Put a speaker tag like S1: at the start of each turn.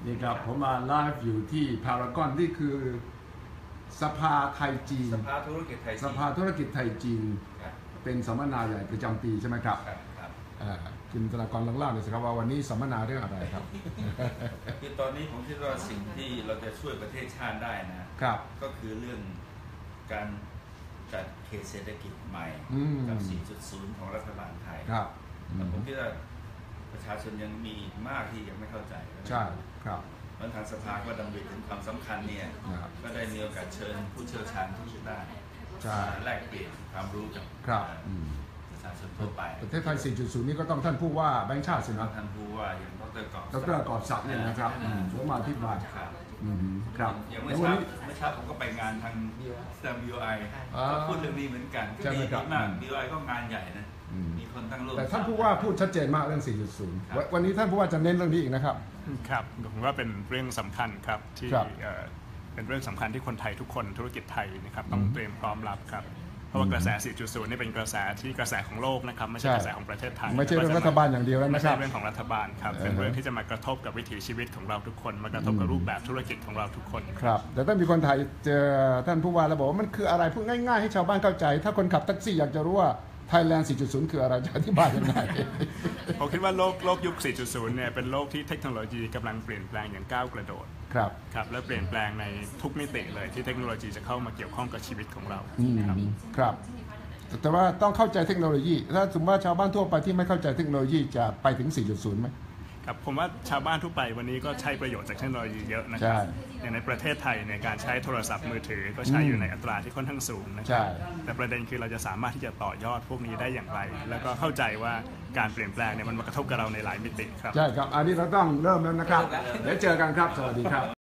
S1: นี่ครับผมมาไลฟ์อยู่ที่พารากอนนี่คือสภาไทยจีน
S2: สภาธุรกิจไทยจีน
S1: สภาธุรกิจไทยจีนเป็นสัมมนาใหญ่ประจำปีใช่ไหมครับคุณธนากรเล่าเลยสิครับว่าวันนี้สัมมนาเรื่องอะไรครับ
S2: คือตอนนี้ผมคิดว่าสิ่งที่เราจะช่วยประเทศชาติได้นะครับก็คือเรื่องการจัดเขตเศรษฐกิจใหม่กับ 4.0 ของรัฐบาลไทย
S1: ครับ
S2: ผมคิดว่าประชาชนยังมีมากที่ยังไม่เข้าใจ
S1: ใช่ครับ
S2: วันทางสภาก็ดำริถึงความสำคัญเนี่ยก็ได้มีโอกาสเชิญผู้เชี่ยวชาญทุกด้านแลกเปลี่ยนความรู้กับประชาชนทั่วไป
S1: ประเทศไทย 4.0 นี่ก็ต้องท่านผู้ว่าแบงค์ชาติสินะ
S2: ท่านผู้ว่าอย่างดร.
S1: กอบศักดิ์เนี่ยนะครับผมมาที่บ้านครับ
S2: อย่างเมื่อเช้าผมก็ไปงานทาง BOI ก็พูดเรื่องนี้เหมือนกันก็ดีมาก BOI ก็งานใหญ่นะมีคนตั้งโลก
S1: แต่ท่านผู้ว่าพูดชัดเจนมากเรื่อง 4.0 วันนี้ท่านผู้ว่าจะเน้นเรื่องนี้อีกนะครับ
S3: ครับผมว่าเป็นเรื่องสำคัญครับที่เป็นเรื่องสำคัญที่คนไทยทุกคนธุรกิจไทยนะครับต้องเตรียมพร้อมรับครับเพราะว่ากระแส 4.0 นี่เป็นกระแสที่กระแสของโลกนะครับไม่ใช่กระแสของประเทศไทย
S1: ไม่ใช่เรื่องรัฐบาลอย่างเดียวแล้ว
S3: ไม่ใช่เรื่องของรัฐบาลครับเป็นเรื่องที่จะมากระทบกับวิถีชีวิตของเราทุกคนมากระทบกับรูปแบบธุรกิจของเราทุกคน
S1: ครับแต่ถ้ามีคนไทยเจอท่านผู้ว่าแล้วบอกว่ามันคืออะไรพูดง่ายๆให้ชาวบ้านเข้าใจถ้าคนขับแท็กซี่อยากจะรู้ว่าThailand 4.0 คืออะไรจะอธิบายยังไง
S3: ผมคิดว่าโลกยุค 4.0 เนี่ยเป็นโลกที่เทคโนโลยีกำลังเปลี่ยนแปลงอย่างก้าวกระโดดครับและเปลี่ยนแปลงในทุกมิติเลยที่เทคโนโลยีจะเข้ามาเกี่ยวข้องกับชีวิตของเรา
S1: ครับแต่ว่าต้องเข้าใจเทคโนโลยีถ้าสมมติว่าชาวบ้านทั่วไปที่ไม่เข้าใจเทคโนโลยีจะไปถึง 4.0 ไหม
S3: ครับผมว่าชาวบ้านทั่วไปวันนี้ก็ใช้ประโยชน์จากเทคโนโลยีเยอะนะครับอย่างในประเทศไทยในการใช้โทรศัพท์มือถือก็ใช้อยู่ในอัตราที่ค่อนข้างสูงนะครับแต่ประเด็นคือเราจะสามารถที่จะต่อยอดพวกนี้ได้อย่างไรแล้วก็เข้าใจว่าการเปลี่ยนแปลงเนี่ยมันมากระทบกับเราในหลายมิติครับ
S1: ใช่ครับอันนี้เราต้องเริ่มแล้วนะครับเดี๋ยวเจอกันครับสวัสดีครับ